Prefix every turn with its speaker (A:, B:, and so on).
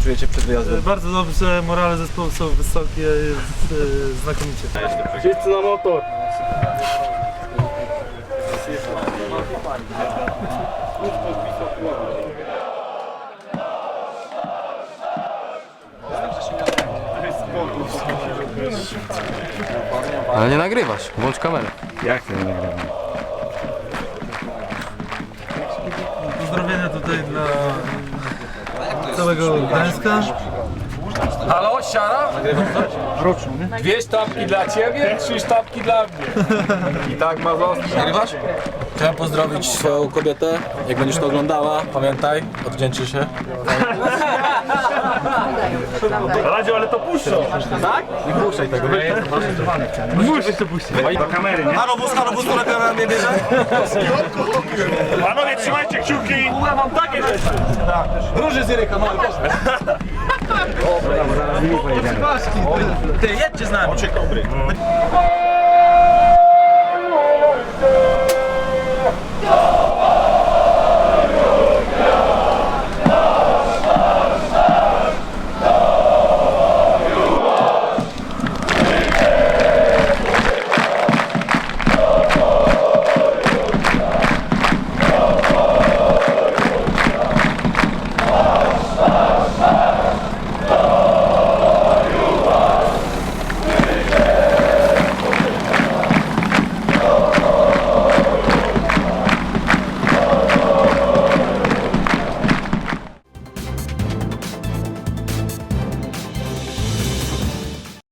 A: czujecie przed wyjazdem?
B: Bardzo dobrze, morale zespołu są wysokie, jest znakomicie.
C: Wszyscy na motor.
D: Ale nie nagrywasz, włącz kamerę.
C: Jak to nie nagrywam?
B: Pozdrowienia tutaj dla całego Gdańska.
D: Halo, siara? Dwie sztabki dla ciebie, 3 sztabki dla mnie. I tak ma zostać. Nagrywasz?
A: Chciałem pozdrowić swoją kobietę. Jak będziesz to oglądała, pamiętaj, odwdzięczy się.
C: Radziu, ale to puszczą.
A: Tak? Nie puszczaj tego.
C: Musisz to puścić. Do kamery, nie?
A: Halo bus, która kamera mnie bierze?
C: Panowie, trzymajcie kciuki. Ja mam takie rzeczy.
A: Róży z Iryka, mały, proszę.
C: Zaraz nimi pojedziemy.
A: Ty, jedźcie z nami.
C: Oczy kobry.